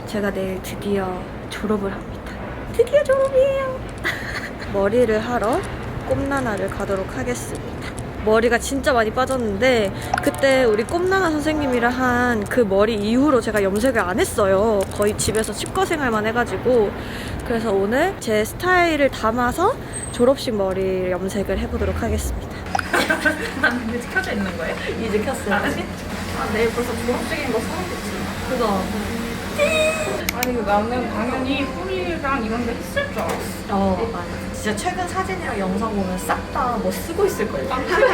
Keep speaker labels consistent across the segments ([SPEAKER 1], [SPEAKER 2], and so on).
[SPEAKER 1] 제가 내일 드디어 졸업을 합니다. 드디어 졸업이에요. 머리를 하러 꼼나나를 가도록 하겠습니다. 머리가 진짜 많이 빠졌는데 그때 우리 꼼나나 선생님이랑 한 그 머리 이후로 제가 염색을 안 했어요. 거의 집에서 치과 생활만 해가지고. 그래서 오늘 제 스타일을 담아서 졸업식 머리 염색을 해보도록 하겠습니다.
[SPEAKER 2] 난 근데 켜져 있는 거예요?
[SPEAKER 1] 이제 켰어요.
[SPEAKER 2] 아, 내일 벌써 졸업식인 거 사오겠지.
[SPEAKER 1] 그거.
[SPEAKER 2] 아니, 나는 당연히 뿌리랑 이런 데 했을 줄 알았어.
[SPEAKER 1] 맞아. 진짜 최근 사진이랑 영상 보면 싹 다 뭐 쓰고 있을걸요.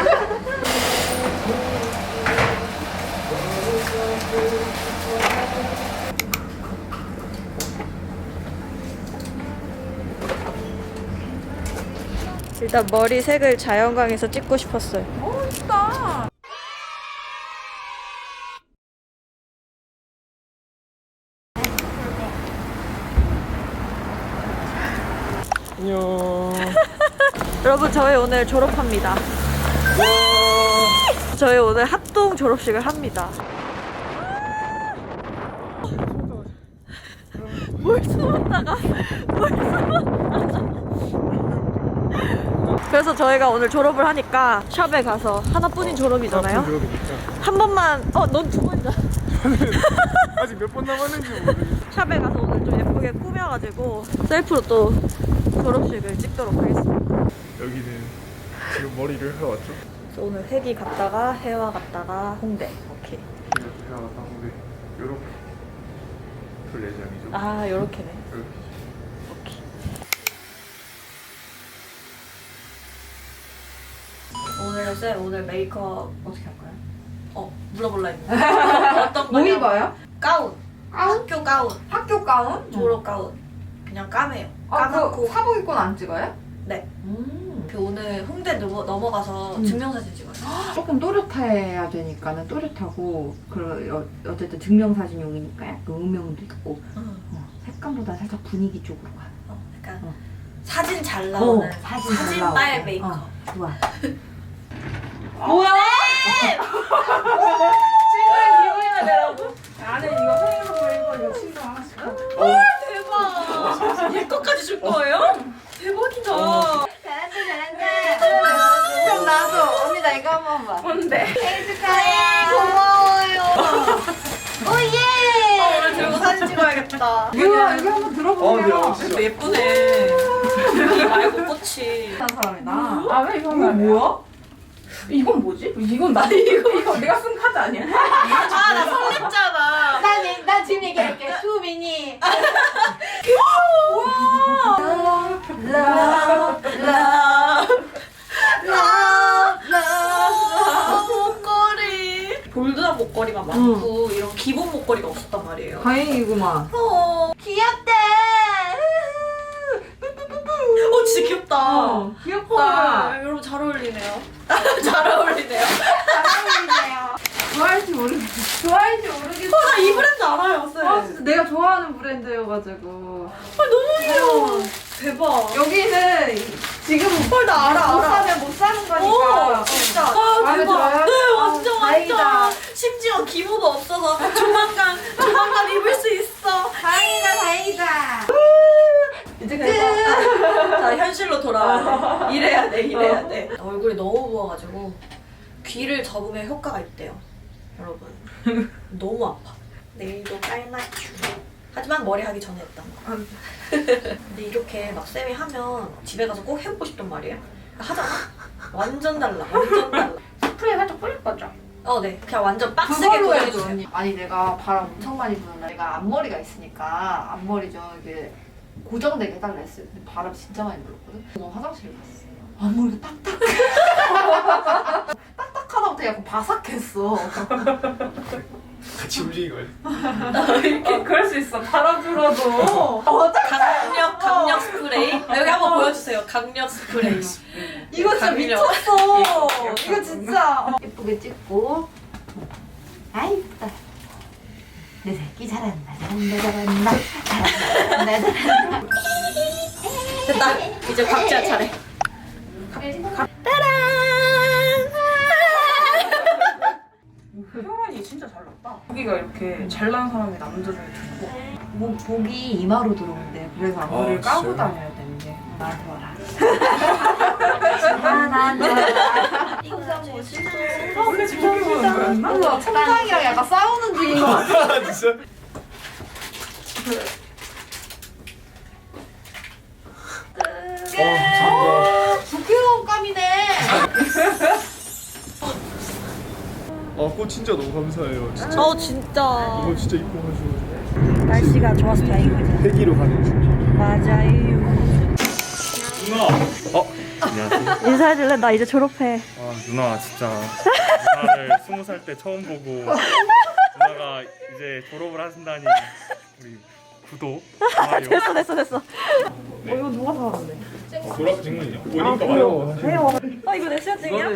[SPEAKER 1] 일단 머리 색을 자연광에서 찍고 싶었어요.
[SPEAKER 2] 멋있다.
[SPEAKER 3] 안녕.
[SPEAKER 1] 여러분, 저희 오늘 졸업합니다. 저희 오늘 합동 졸업식을 합니다. 뭘 숨었다가 그래서 저희가 오늘 졸업을 하니까 샵에 가서 하나뿐인 졸업이잖아요. 한 번만 넌 두 번이잖아.
[SPEAKER 3] 아직 몇 번 남았는지 모르겠어.
[SPEAKER 1] 샵에 가서 오늘 좀 예쁘게 꾸며가지고 셀프로 또 졸업식을 찍도록 하겠습니다.
[SPEAKER 3] 여기는 지금 머리를 해왔죠?
[SPEAKER 1] 그래서 오늘 회기 갔다가 해와 갔다가 홍대. 오케이.
[SPEAKER 3] 이렇게 해왔다. 근데 요렇게 풀 예정이죠.
[SPEAKER 1] 아, 요렇게네.
[SPEAKER 3] 이렇게.
[SPEAKER 1] 오케이. 오늘 메이크업 어떻게 할까요? 물어볼라 했는데. 어떤
[SPEAKER 2] 뭐
[SPEAKER 1] 거냐?
[SPEAKER 2] 입어요?
[SPEAKER 1] 가운.
[SPEAKER 2] 가운?
[SPEAKER 1] 학교 가운.
[SPEAKER 2] 학교 가운?
[SPEAKER 1] 졸업 가운. 그냥 까매요.
[SPEAKER 2] 아,
[SPEAKER 1] 까맣고.
[SPEAKER 2] 그 사복 입고는 안 찍어요?
[SPEAKER 1] 네. 그 오늘 홍대 넘어가서 증명사진 찍어요.
[SPEAKER 4] 조금 또렷해야 되니까는 또렷하고 어쨌든 증명사진용이니까 약간 음영도 있고 색감보다 살짝 분위기 쪽으로 가.
[SPEAKER 1] 약간 사진 잘 나오는
[SPEAKER 4] 사진 잘
[SPEAKER 1] 사진빨
[SPEAKER 4] 나오고.
[SPEAKER 1] 메이크업.
[SPEAKER 4] 좋아.
[SPEAKER 2] 뭐야? 친구의 기분이나 내라고? 나는 이거 생일로 이거 친구 하나씩.
[SPEAKER 1] 대박. 얘 것까지 줄 거예요? 대박이다.
[SPEAKER 4] 잘한다. 그럼 나도 언니 나 이거 한번 봐.
[SPEAKER 2] 뭔데?
[SPEAKER 4] 생일 축하해. 고마워요. 오예.
[SPEAKER 1] 오늘 들고 사진 찍어야겠다.
[SPEAKER 4] 이거 한번 들어보세요.
[SPEAKER 3] 진짜.
[SPEAKER 1] 예쁘네. 이 말고 꽃이.
[SPEAKER 4] 한 사람이다.
[SPEAKER 2] 아, 왜 이건 안 뭐야? 이건 뭐지? 이건 나 이거 내가 쓴 카드 아니야?
[SPEAKER 1] 아, 나 설렜잖아.
[SPEAKER 4] 나 지금 얘기할게. 수민이.
[SPEAKER 1] 목걸이. 볼드한 목걸이만 많고 이런 기본 목걸이가 없었단 말이에요.
[SPEAKER 4] 다행이구만.
[SPEAKER 1] 귀엽다. 진짜 귀엽다.
[SPEAKER 4] 귀엽다.
[SPEAKER 1] 헐, 여러분 잘 어울리네요. 잘 어울리네요.
[SPEAKER 4] 좋아할지 모르겠어. 좋아할지 모르겠어.
[SPEAKER 1] 나 이 브랜드 알아요, 쌤.
[SPEAKER 4] 아 진짜 내가 좋아하는 브랜드여가지고.
[SPEAKER 1] 너무 귀여워. 대박.
[SPEAKER 4] 여기는 지금
[SPEAKER 1] 헐, 나 알아.
[SPEAKER 4] 못 사면 못 사는 거니까.
[SPEAKER 1] 오, 진짜. 아,
[SPEAKER 4] 마음에
[SPEAKER 1] 대박.
[SPEAKER 4] 들어요?
[SPEAKER 1] 네, 완전,
[SPEAKER 4] 다행이다.
[SPEAKER 1] 완전. 심지어 기모도 없어서 조만간 입을 수 있어.
[SPEAKER 4] 다행이다.
[SPEAKER 1] 이제 그래서 자, 현실로 돌아와야 돼. 이래야 돼. 얼굴이 너무 부어가지고 귀를 접으면 효과가 있대요. 여러분. 너무 아파. 내일도 깔맞춤. 하지만 머리 하기 전에 했던 거. 근데 이렇게 막 쌤이 하면 집에 가서 꼭 해보고 싶단 말이에요. 하잖아. 완전 달라. 완전 달라.
[SPEAKER 2] 스프레이 살짝 뿌릴 거죠?
[SPEAKER 1] 네. 그냥 완전 빡세게
[SPEAKER 4] 그걸로 해줘
[SPEAKER 1] 고정해주세요.
[SPEAKER 4] 언니. 아니 내가 바람 엄청 많이 부는 날 내가 앞머리가 있으니까 앞머리 좀 이게 고정되게 해달라 했어요. 근데 바람 진짜 많이 불었거든. 너 화장실 갔어. 앞머리가 딱딱해. 딱딱하다부터 약간 바삭했어.
[SPEAKER 3] 같이 움직이고.
[SPEAKER 2] 그럴 수 있어. 바람 불어도.
[SPEAKER 1] 강력 스프레이. 여기 한번 보여주세요. 강력 스프레이.
[SPEAKER 4] 이거 진짜
[SPEAKER 1] 강력.
[SPEAKER 4] 미쳤어. 이거 진짜 예쁘게 찍고. 아이 예쁘다. 내 새끼 잘한다. 잘한다.
[SPEAKER 1] 됐다. 이제 박지아 차례.
[SPEAKER 2] 혈관이 진짜 잘 났다. 여기가 이렇게 잘난 사람의 남자 중에 좋고
[SPEAKER 4] 복이 이마로 들어온대. 그래서 앞머리를 까고
[SPEAKER 3] 진짜요?
[SPEAKER 4] 다녀야 되는데 나한테 와라. 나한테 와라.
[SPEAKER 2] 원래 저렇게 보는 거였나?
[SPEAKER 4] 그래서 청장이랑 약간 싸우는 중인 것 같아.
[SPEAKER 3] 진짜?
[SPEAKER 4] 부끄러운 감이네.
[SPEAKER 3] 꽃 진짜 너무 감사해요. 진짜.
[SPEAKER 1] 진짜.
[SPEAKER 3] 이거 진짜 이뻐가지고.
[SPEAKER 1] 날씨가 좋아서 다행이죠.
[SPEAKER 3] 회기로 가는 중.
[SPEAKER 1] 맞아요.
[SPEAKER 5] 안녕하세요.
[SPEAKER 1] 인사해줄래? 나 이제 졸업해.
[SPEAKER 5] 누나 진짜 누나를 20살 때 처음 보고 누나가 이제 졸업을 하신다니 우리 구독, 좋아요.
[SPEAKER 1] 됐어.
[SPEAKER 2] 이거 누가 사왔는데?
[SPEAKER 3] 졸업 증문이요? 보니까 와요.
[SPEAKER 1] 이거 내 수여증이야?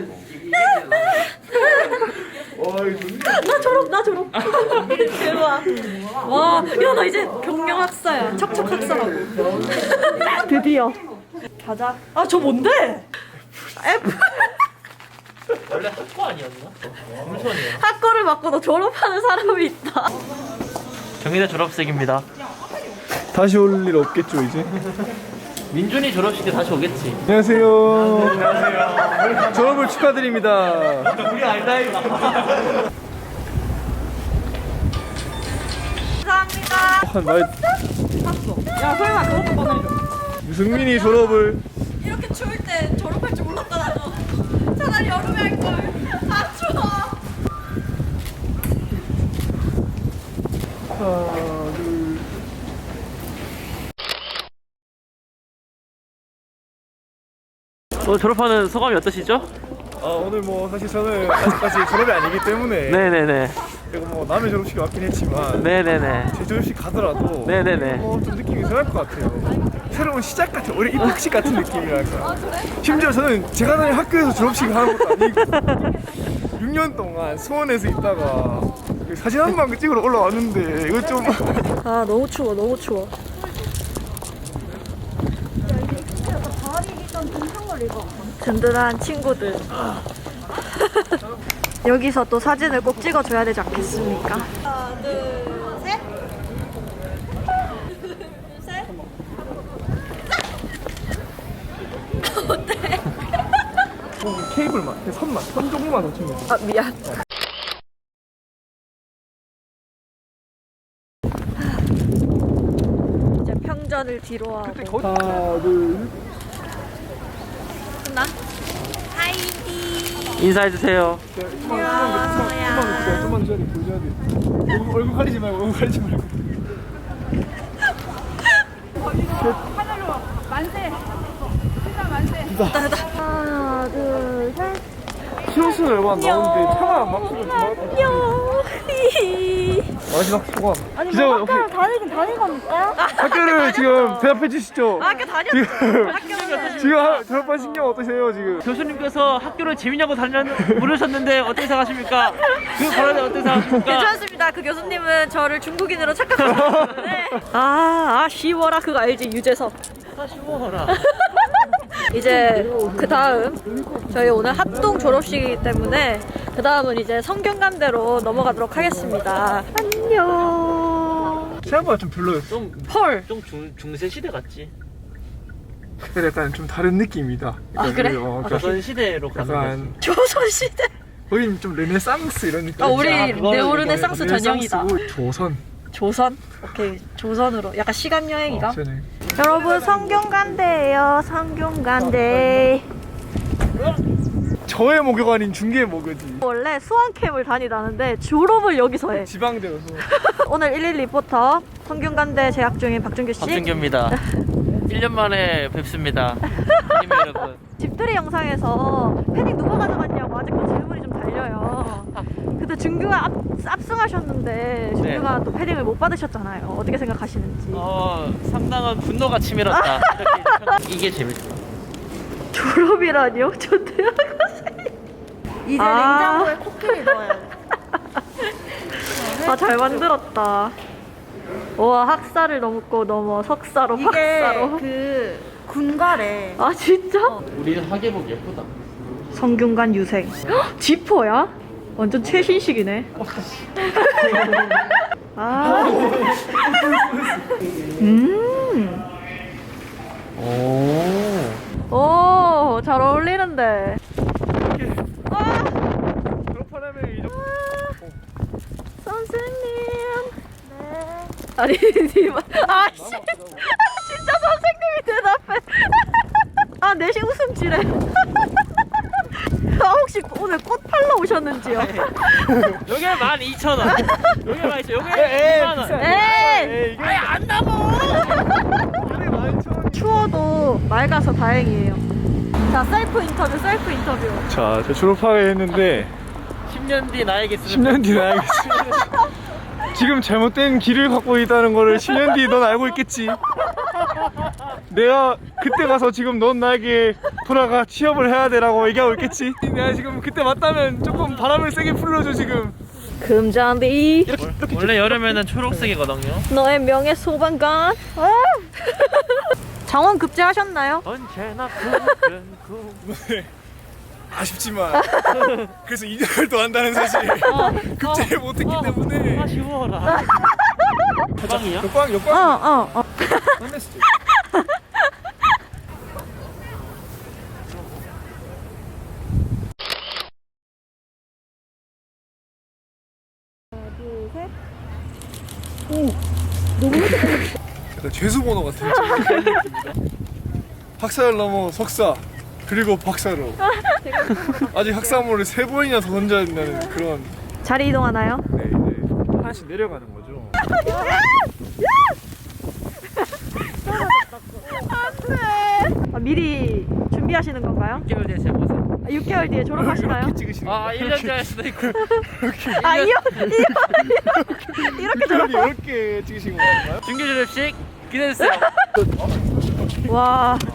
[SPEAKER 3] 와 이거 좋네.
[SPEAKER 1] 나 졸업. 대박. 와, 야, 나 이제 경영 학사야. 척척 학사라고. 드디어. 가자. 저 뭔데? F.
[SPEAKER 6] 원래 학과 아니었나? 물선이에요.
[SPEAKER 1] 학과를 바꿔도 졸업하는 사람이 있다.
[SPEAKER 6] 경희대 졸업생입니다.
[SPEAKER 3] 다시 올 일 없겠죠 이제?
[SPEAKER 6] 민준이 졸업식에 다시 오겠지.
[SPEAKER 3] 안녕하세요. 안녕하세요. 졸업을 축하드립니다.
[SPEAKER 6] 우리 알다이.
[SPEAKER 1] 감사합니다.
[SPEAKER 3] 나의
[SPEAKER 2] 야 설마 그것도 꺼내줘.
[SPEAKER 3] 유승민이 졸업을.
[SPEAKER 1] 이렇게 추울 때 졸업할 줄 몰랐다 나도. 차라리 여름에 할 걸. 추워.
[SPEAKER 3] 하나 둘.
[SPEAKER 6] 졸업하는 소감이 어떠시죠?
[SPEAKER 3] 오늘 뭐 사실 저는 아직까지 졸업이 아니기 때문에
[SPEAKER 6] 네네네.
[SPEAKER 3] 그리고 뭐 남의 졸업식이 왔긴 했지만
[SPEAKER 6] 네네네.
[SPEAKER 3] 제 졸업식 가더라도
[SPEAKER 6] 네네네.
[SPEAKER 3] 좀 느낌이 이상할 것 같아요. 새로운 시작 같은 올해 입학식 같은 느낌이랄까. 심지어 저는 제가 다니는 학교에서 졸업식을 하는 것도 아니고 6년 동안 수원에서 있다가 사진 한 방 찍으러 올라왔는데 이거 좀
[SPEAKER 1] 너무 추워. 든든한 친구들. 여기서 또 사진을 꼭 찍어줘야 되지 않겠습니까? 하나, 둘, 셋.
[SPEAKER 3] 케이블만 선 조금만 더 치면 돼.
[SPEAKER 1] 미안. 이제 평전을 뒤로 하고.
[SPEAKER 3] 하나 둘.
[SPEAKER 1] 끝나? 하이디.
[SPEAKER 6] 인사해주세요.
[SPEAKER 3] 좀만 줘야 돼. 보여줘야 돼. 얼굴 가리지 말고 얼굴 가리지 말고.
[SPEAKER 1] 하나, 둘, 셋.
[SPEAKER 3] 시험수는 얼마 안 나오는데 차가 안 막히고
[SPEAKER 1] 안녕.
[SPEAKER 3] 마지막 소감.
[SPEAKER 1] 아니
[SPEAKER 3] 기자,
[SPEAKER 1] 뭐 학교를 다니긴 다니거니까.
[SPEAKER 3] 학교를 지금 대답해 주시죠.
[SPEAKER 1] 학교 다녔어. 학교는
[SPEAKER 3] 지금 졸업하신 경 어떠세요 지금?
[SPEAKER 6] 교수님께서 학교를 재밌냐고 물으셨는데 어떻게 생각하십니까? 그 발언에 어떻게 생각하십니까?
[SPEAKER 1] 괜찮습니다. 그 교수님은 저를 중국인으로 착각하고 있는데. 쉬워라 그거 알지 유재석.
[SPEAKER 6] 쉬워라.
[SPEAKER 1] 이제 그 다음 저희 오늘 합동 졸업식이기 때문에 그 다음은 이제 성균관대로 넘어가도록 하겠습니다. 안녕.
[SPEAKER 3] 생각보다 좀 별로였어.
[SPEAKER 1] 헐.
[SPEAKER 6] 좀 중세 시대 같지?
[SPEAKER 3] 그때 약간 좀 다른 느낌이다.
[SPEAKER 1] 그래?
[SPEAKER 6] 조선 시대로 가는 거지.
[SPEAKER 3] 약간
[SPEAKER 1] 조선시대.
[SPEAKER 3] 거긴 좀 르네상스 이런 느낌.
[SPEAKER 1] 우리
[SPEAKER 6] 그거는
[SPEAKER 1] 네오르네상스 전형이다.
[SPEAKER 3] 조선.
[SPEAKER 1] 조선? 오케이 조선으로 약간 시간 여행이가.
[SPEAKER 3] 저는
[SPEAKER 1] 여러분 성균관대예요. 성균관대.
[SPEAKER 3] 저의 목요가 아닌 중계의 목요지.
[SPEAKER 1] 원래 수원캠을 다니다는데 졸업을 여기서 해.
[SPEAKER 3] 지방대여서.
[SPEAKER 1] 오늘 11 리포터 성균관대 재학 중인 박준규 씨.
[SPEAKER 6] 박준규입니다. 1년 만에 뵙습니다. 아님 여러분.
[SPEAKER 1] 집들이 영상에서 패딩 누가 가져갔냐고 아직도 질문이 좀 달려요. 그때 준규가 압승하셨는데 준규가 또 패딩을 못 받으셨잖아요. 어떻게 생각하시는지.
[SPEAKER 6] 상당한 분노가 치밀었다. 이게 재밌어.
[SPEAKER 1] 졸업이라니요? 저 대학원생. 이제 냉장고에 코끼리 넣어야 돼. 잘 만들었다. 와 학사를 넘어 석사로 박사로.
[SPEAKER 7] 그 군가래.
[SPEAKER 1] 진짜?
[SPEAKER 6] 우리 하계복 예쁘다.
[SPEAKER 1] 성균관 유생. 헉, 지퍼야? 완전 최신식이네. 오, 잘 어울리는데.
[SPEAKER 3] 졸업하려면 이 정도.
[SPEAKER 1] 선생님. 네. 아니, 님. 아, 씨. 진짜 선생님이 대답해. 아, 내시 웃음 지래. 아, 혹시 오늘 꽃 팔러 오셨는지요?
[SPEAKER 6] 요게 12,000원. 요게 12,000원. 요게 2만원.
[SPEAKER 1] 에이!
[SPEAKER 3] 이게 안 남아. 이게 12,000원.
[SPEAKER 1] 추워도 맑아서 다행이에요. 자, 셀프 인터뷰.
[SPEAKER 3] 자, 저 졸업하게 했는데
[SPEAKER 6] 10년 뒤 나야겠습니다.
[SPEAKER 3] 10년 뒤에 알겠지. 지금 잘못된 길을 갖고 있다는 거를 10년 뒤에 넌 알고 있겠지. 내가 그때 가서 지금 넌 나에게 돌아가 취업을 해야 되라고 얘기하고 있겠지. 내가 지금 그때 맞다면 조금 바람을 세게 불러줘 지금.
[SPEAKER 1] 금잔디.
[SPEAKER 6] 원래 여름에는 초록색이거든요.
[SPEAKER 1] 너의 명예 소방관. 장원 급제하셨나요?
[SPEAKER 6] 언제나 푸른 구.
[SPEAKER 3] 아쉽지만 그래서 2년을 더 한다는 사실 급제를 못했기 때문에
[SPEAKER 6] 아쉬워라. 가방이요?
[SPEAKER 3] 역광
[SPEAKER 1] 어.
[SPEAKER 3] 만났을 때. 약간 죄수 번호 같은 느낌입니다. 학사를 넘어 석사 그리고 박사로 아직 학사모를 3번이나 더 던져야 된다는 그런.
[SPEAKER 1] 자리 이동하나요?
[SPEAKER 3] 네, 이제 하나씩 내려가는 거죠.
[SPEAKER 1] 아, 미리 준비하시는 건가요?
[SPEAKER 6] 6개월 뒤에 제 모습.
[SPEAKER 1] 6개월 뒤에 졸업하시나요?
[SPEAKER 3] 이렇게 찍으시는
[SPEAKER 6] 아,
[SPEAKER 3] 거예요?
[SPEAKER 6] 1년 뒤에 수도 있고.
[SPEAKER 1] 아, 이렇게 졸업.
[SPEAKER 3] 이렇게 찍으신 건가요?
[SPEAKER 6] 중교 졸업식 기대해주세요.
[SPEAKER 1] 와.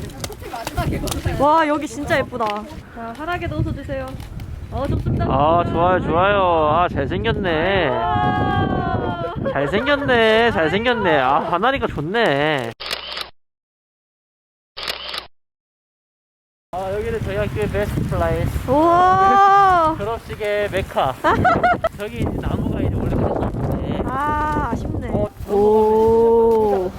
[SPEAKER 1] 와, 여기 진짜 예쁘다. 자, 환하게도 웃어주세요. 좋습니다.
[SPEAKER 6] 아, 좋아요. 아, 잘생겼네. 잘생겼네. 아, 화나니까 좋네. 아, 여기는 저희 학교의 베스트 플레이스.
[SPEAKER 1] 우와.
[SPEAKER 6] 졸업식의 메카. 저기 이제 나무가 이제 원래 그랬었는데.
[SPEAKER 1] 아, 아쉽네.
[SPEAKER 6] 오.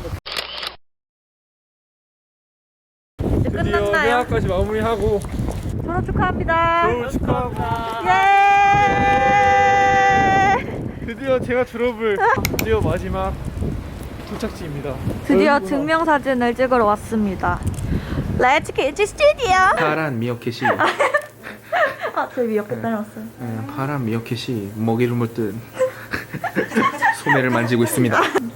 [SPEAKER 1] 이제
[SPEAKER 3] 드디어
[SPEAKER 1] 끝났나요?
[SPEAKER 3] 대학까지 마무리하고
[SPEAKER 1] 졸업 축하합니다.
[SPEAKER 3] 졸업 축하하고
[SPEAKER 1] 예!
[SPEAKER 3] 드디어 제가 졸업을 드디어 마지막 도착지입니다.
[SPEAKER 1] 드디어
[SPEAKER 3] 여기구나.
[SPEAKER 1] 증명사진을 찍으러 왔습니다. Let's get to studio.
[SPEAKER 8] 파란 미어캣이
[SPEAKER 1] 아, 저희 미역국 다녀왔어요.
[SPEAKER 8] 파란 미어캣이 먹이를 물듯 소매를 만지고 있습니다.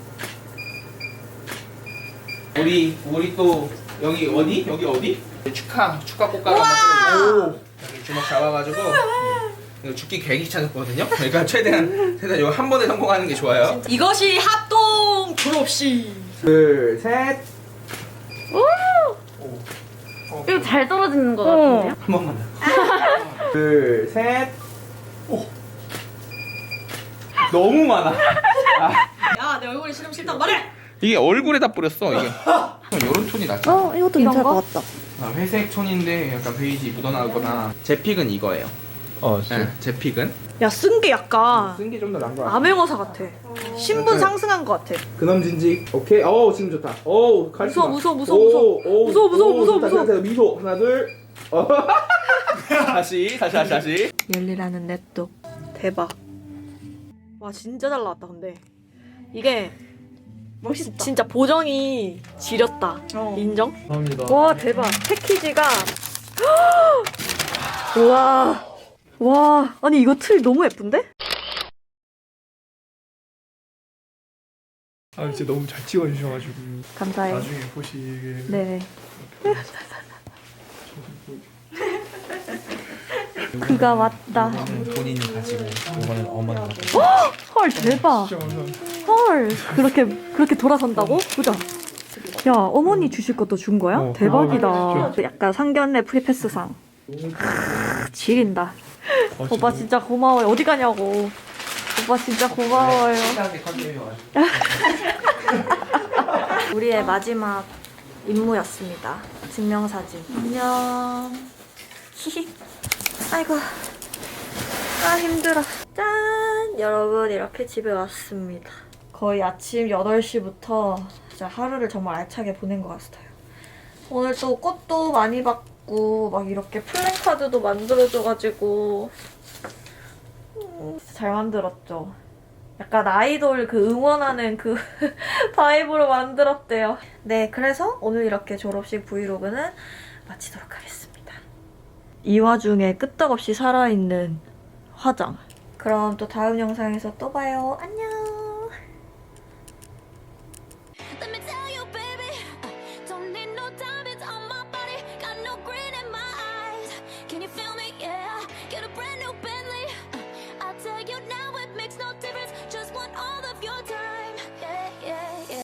[SPEAKER 8] 우리 또 여기 어디? 여기 어디? 축하 꽃가루 한번 끓여주세요. 여기 주먹 잡아가지고 이거 죽기 계획이 찾았거든요. 그러니까 최대한 이거 한 번에 성공하는 게 좋아요.
[SPEAKER 1] 이것이 합동 졸업식.
[SPEAKER 8] 둘, 셋.
[SPEAKER 7] 이거 잘 떨어지는 것 같은데요?
[SPEAKER 8] 한 번만 더. 둘, 셋. 오. 너무 많아.
[SPEAKER 1] 야, 내 얼굴이 싫다고 말해.
[SPEAKER 8] 이게 얼굴에다 뿌렸어. 이게. 이런 톤이 낫지.
[SPEAKER 1] 이것도 괜찮을 것 같다.
[SPEAKER 8] 회색 톤인데 약간 베이지 묻어나거나. 제 픽은 이거예요. 네, 제 픽은.
[SPEAKER 1] 야, 쓴 게 약간
[SPEAKER 8] 쓴 게 좀 더 나은 거 같아.
[SPEAKER 1] 암행어사 같아. 신분 상승한 것 같아.
[SPEAKER 8] 그놈 진직. 오케이. 지금 좋다. 카리스마.
[SPEAKER 1] 무서워.
[SPEAKER 8] 좋다. 미소. 하나, 둘. 다시.
[SPEAKER 1] 열리라는 냅독. 대박. 와, 진짜 잘 나왔다. 근데 이게 멋있다. 진짜 보정이 지렸다. 인정?
[SPEAKER 3] 감사합니다.
[SPEAKER 1] 와, 대박. 패키지가 와, 아니 이거 틀 너무 예쁜데?
[SPEAKER 3] 아, 진짜 너무 잘 찍어주셔가지고
[SPEAKER 1] 감사해요.
[SPEAKER 3] 나중에 보시게.
[SPEAKER 1] 네. 그가 왔다.
[SPEAKER 8] 본인이 가지고 이거는 어머니.
[SPEAKER 1] 헐, 대박.
[SPEAKER 3] 진짜 감사합니다.
[SPEAKER 1] 헐, 그렇게 돌아선다고? 보자. 야, 어머니 주실 것도 준 거야? 대박이다. 약간 상견례 프리패스상. 지린다. 오빠 진짜 고마워요. 어디 가냐고. 오빠 진짜 고마워요. 우리의 마지막 임무였습니다. 증명사진. 안녕. 히히. 아이고. 아, 힘들어. 짠! 여러분, 이렇게 집에 왔습니다. 거의 아침 8시부터 진짜 하루를 정말 알차게 보낸 것 같아요. 오늘 또 꽃도 많이 받고 막 이렇게 플랜카드도 만들어줘가지고 잘 만들었죠. 약간 아이돌 그 응원하는 그 바이브로 만들었대요. 네, 그래서 오늘 이렇게 졸업식 브이로그는 마치도록 하겠습니다. 이 와중에 끄떡없이 살아있는 화장. 그럼 또 다음 영상에서 또 봐요. 안녕!